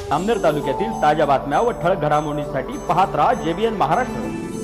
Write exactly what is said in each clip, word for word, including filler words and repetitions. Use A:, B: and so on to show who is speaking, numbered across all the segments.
A: अमनेर तालुक्यातील ताज्या बातम्या व ठळक घडामोडींसाठी पाहत राहा जेबीएन महाराष्ट्र।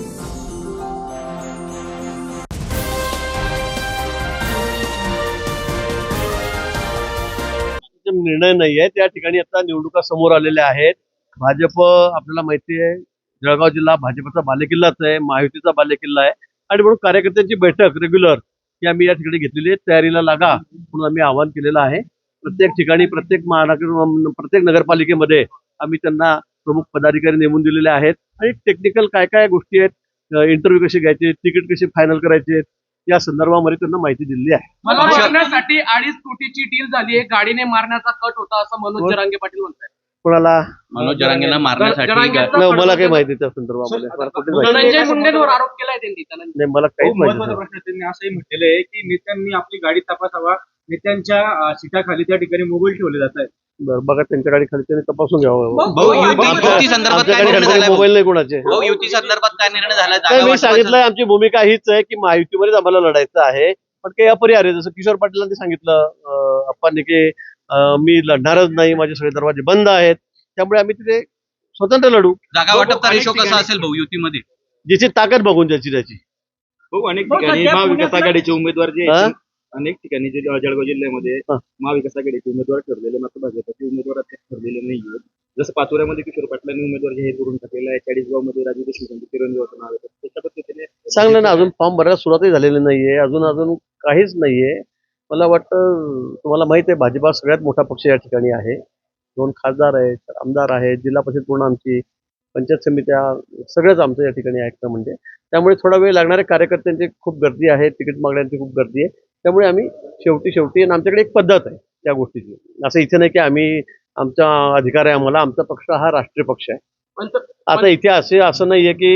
B: निर्णय नाही आहे त्या ठिकाणी आता निवडणुका समोर आलेल्या आहेत। भाजप आपल्याला माहिती आहे जळगाव जिल्हा भाजपचा बालेकिल्लाच आहे, महायुतीचा बालेकिल्ला आहे आणि म्हणून कार्यकर्त्यांची बैठक रेग्युलर ही आम्ही या ठिकाणी घेतलेली आहे। तयारीला लागा म्हणून आम्ही आवाहन केलेलं आहे। प्रत्येक ठिकाणी प्रत्येक महानगर प्रत्येक नगरपालिकेमध्ये आम्ही त्यांना प्रमुख पदाधिकारी नेमून दिलेले आहेत आणि टेक्निकल काय काय गोष्टी आहेत, इंटरव्ह्यू कसे घ्यायचे, तिकीट कसे फायनल करायचे या संदर्भामध्ये त्यांना माहिती दिलेली आहे।
C: मला मारण्यासाठी अडीच कोटीची डील झाली आहे, गाडीने मारण्याचा कट होता असं मनोज जरांगे पाटील म्हणतात।
B: कोणाला?
D: मनोज जरांगेंना मारण्यासाठी
B: नाही, मला काही माहिती त्या संदर्भामध्ये
C: धनंजय मुंडेंवर आरोप केलाय त्यांनी।
B: नाही, मला काहीच माहिती
E: महत्त्वाचा प्रश्न त्यांनी असंही म्हटलेलं आहे की नेत्यांनी आपली गाडी तपासावा, नेत्यांच्या सीटाखाली त्या ठिकाणी मोबाईल ठेवले जात आहेत।
B: बरं, बघा त्यांच्या गाडी खाली त्यांनी तपासून घ्यावं।
D: भाऊ युती युती संदर्भात काय निर्णय झालाय?
B: मोबाईल नाही कोणाचे।
D: भाऊ युती संदर्भात काय निर्णय झालाय?
B: नाही, मी सांगितलंय आमची भूमिका हीच आहे की महायुतीमध्येच आम्हाला लढायचं आहे, पण काही अपरिहार्य जसं किशोर पाटीलांनी सांगितलं अप्पांनी की मी लढणारच नाही, माझे सगळे दरवाजे बंद आहेत, त्यामुळे आम्ही तिथे स्वतंत्र लढू।
D: जागा वाटपचा रेशो कसा असेल भाऊ युतीमध्ये?
B: ज्याची ताकद बघून ज्याची त्याची।
E: भाऊ अनेक ठिकाणी महाविकास आघाडीचे उमेदवार जे आहेत, अनेक ठिकाणी जे जळगाव जिल्ह्यामध्ये महाविकास आघाडीचे उमेदवार ठरलेले मात्र भाजपचे उमेदवार ठरलेले नाहीये। जसं पाचोऱ्यामध्ये किशोर पाटलांनी उमेदवार जाहीर करून टाकलेला आहे, चाळीसगाव मध्ये राजू देशमुख चिरंजीवाचं नाव आहे, तशा पद्धतीने
B: चांगलं ना, अजून फॉर्म भरायला सुरुवातही झालेली नाहीये, अजून अजून काहीच नाहीये। मला वाटतं तुम्हाला माहित आहे भाजपा सगळ्यात मोठा पक्ष या ठिकाणी आहे, दोन खासदार आहेत, आमदार आहेत, जिल्हा परिषद पूर्ण आमची, पंचायत समित्या सगळंच आमचं या ठिकाणी ऐकतं म्हणजे, त्यामुळे थोडा वेळ लागणाऱ्या कार्यकर्त्यांची खूप गर्दी आहे, तिकीट मागण्यांची खूप गर्दी आहे, त्यामुळे आम्ही शेवटी शेवटी आणि आमच्याकडे एक पद्धत आहे त्या गोष्टीची। असं इथे नाही की आम्ही आमचा अधिकार आहे आम्हाला, आमचा पक्ष हा राष्ट्रीय पक्ष आहे। आता इथे असे असं नाहीये की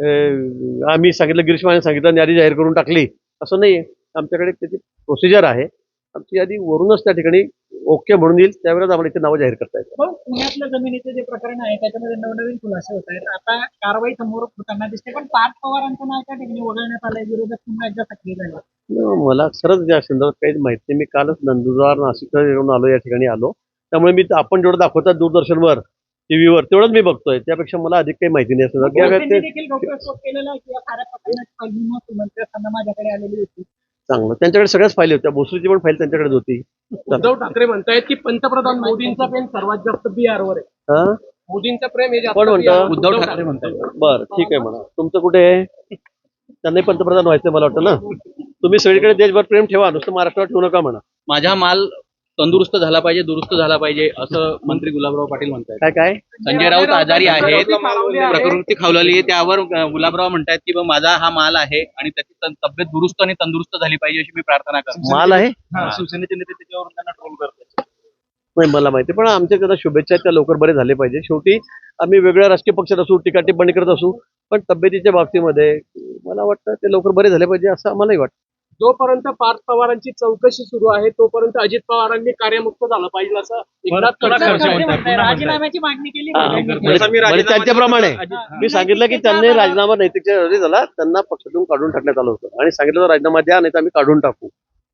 B: आम्ही सांगितलं गिरीश महाजन सांगितलं यादी जाहीर करून टाकली, असं नाहीये। आमच्याकडे त्याची प्रोसिजर आहे, आमची यादी वरूनच त्या ठिकाणी ओके म्हणून येईल, त्यावेळेस आम्हाला इथे नावं जाहीर करता येतात।
F: पुण्यातल्या जमिनीचे जे प्रकरण आहे त्याच्यामध्ये नवनवीन खुलासे होत आहेत, आता कारवाई समोर होताना दिसते, पण पार्थ पवारांचं नाव त्या ठिकाणी वगळण्यात आलंय, विरोधक पुन्हा एकदा सक्रिय झाले।
B: मला खरंच या संदर्भात काहीच माहिती नाही। मी कालच नंदुरबार नाशिक येऊन आलो, या ठिकाणी आलो, त्यामुळे मी आपण जेवढं दाखवतात दूरदर्शनवर टीव्हीवर तेवढंच मी बघतोय, त्यापेक्षा मला अधिक काही माहिती नाही।
F: देखील गौप्यस्फोट केलेला आहे की या साऱ्या प्रकरणाची पहिली मुख्यमंत्री असताना माझ्याकडे आलेली होती।
B: चांगलं, त्यांच्याकडे सगळ्याच फाईल होत्या, भोसरीची पण फाईल त्यांच्याकडेच होती।
C: उद्धव ठाकरे म्हणतायत की पंतप्रधान मोदींचा प्रेम सर्वात जास्त बिहारवर आहे। मोदींचं प्रेम हे जास्त
B: कोण म्हणतं?
D: उद्धव ठाकरे म्हणतात।
B: बरं, ठीक आहे म्हणा, तुमचं कुठे आहे? त्यांनाही पंतप्रधान व्हायचं मला वाटतं ना। तुम्ही सगळीकडे देशभर प्रेम ठेवा, नुसतं महाराष्ट्रावर ठेवू नका म्हणा।
D: माझा माल तंदुरुस्त झाला पाहिजे, दुरुस्त झाला पाहिजे असं मंत्री गुलाबराव पाटील म्हणतात।
B: काय काय
D: संजय राऊत आजारी आहेत, प्रकृती खावलेली आहे, त्यावर गुलाबराव म्हणतात की बा माझा हा माल आहे आणि त्याची तब्येत दुरुस्त आणि तंदुरुस्त झाली पाहिजे अशी मी प्रार्थना करतो।
B: माल आहे?
E: शिवसेनेचे नेते त्याच्यावरून त्यांना ट्रोल करतात।
B: नाही, मला माहिती, पण आमच्या त्यांना शुभेच्छा, त्या लवकर बरे झाले पाहिजे। शेवटी आम्ही वेगळ्या राजकीय पक्षात असू, टीका टिप्पणी करत असू, पण तब्येतीच्या बाबतीमध्ये मला वाटतं ते लवकर बरे झाले पाहिजे असं आम्हालाही वाटतं।
C: जोपर्यंत पार्थ पवारांची चौकशी सुरू आहे तोपर्यंत अजित पवारांनी कार्यमुक्त झालं पाहिजे असं एकनाथ खडसे
F: राजीनाम्याची मागणी केली।
B: म्हणजे त्यांच्याप्रमाणे मी सांगितलं की त्यांनी राजीनामा नैतिकच्या झाला, त्यांना पक्षातून काढून टाकण्यात आलं होतं आणि सांगितलं राजीनामा द्या नाही तर आम्ही काढून टाकू।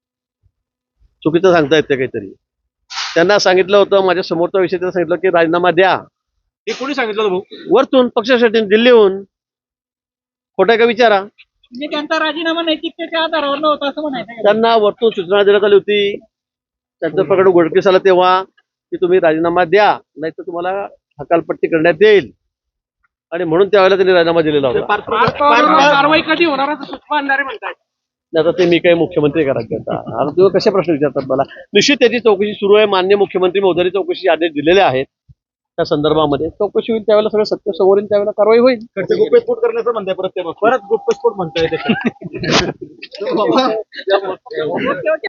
B: चुकीचं सांगता येते काहीतरी, त्यांना सांगितलं होतं, माझ्या समोरचा विषय त्यांना सांगितलं की राजीनामा द्या।
E: हे कोणी सांगितलं भाऊ?
B: वरतून पक्षासाठी, दिल्लीहून। खोटं का विचारा?
F: म्हणजे त्यांचा राजीनामा नैतिकतेच्या आधारावर नव्हता असं म्हणायचं?
B: त्यांना वरतून सूचना देण्यात आली होती, त्यांचं प्रकरण उघडकीस आलं तेव्हा की तुम्ही राजीनामा द्या नाही तर तुम्हाला हकालपट्टी करण्यात येईल, आणि म्हणून त्यावेळेला त्यांनी राजीनामा दिलेला होता।
C: कारवाई कधी होणार असं सुषमा अंधारे म्हणतात।
B: आता ते मी काही मुख्यमंत्री का राज्याचा, आता तुम्ही कशा प्रश्न विचारतात मला? निश्चित त्याची चौकशी सुरू आहे, माननीय मुख्यमंत्री महोदयांनी चौकशी आदेश दिलेले आहेत, त्या संदर्भामध्ये चौकशी होईल, त्यावेळेला सगळं सत्य समोर येईल, त्यावेळेला कारवाई होईल।
E: गुप्तस्फोट करण्याचं म्हणताय परत ते परत गुप्तस्फोट म्हणताय ते